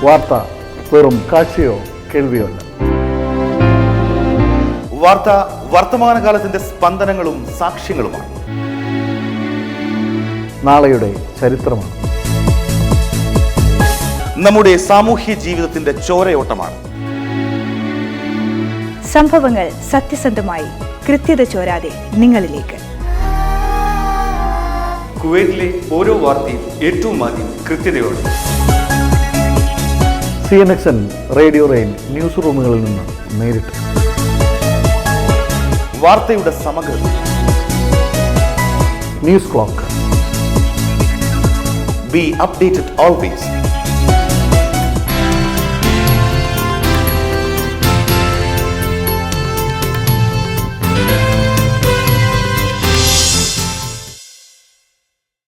വാർത്ത വെറും കാഴ്ചയോ കേൾവിയോ അല്ല. വാർത്ത വർത്തമാനകാലത്തിന്റെ സ്പന്ദനങ്ങളും സാക്ഷ്യങ്ങളുമാണ്. നാളെയുടെ ചരിത്രമാണ്. നമ്മുടെ സാമൂഹ്യ ജീവിതത്തിന്റെ ചോരയോട്ടമാണ്. സംഭവങ്ങൾ സത്യസന്ധമായി കൃത്യത ചോരാതെ നിങ്ങളിലേക്ക്. കുവൈറ്റിലെ ഓരോ വാർത്തയും ഏറ്റവും ആദ്യം കൃത്യതയോടെ. CNXN റേഡിയോ റെയിൽ ന്യൂസ് റൂമുകളിൽ നിന്ന് നേരിട്ട്. വാർത്തയുടെ സമഗ്രത. News clock. Be updated always.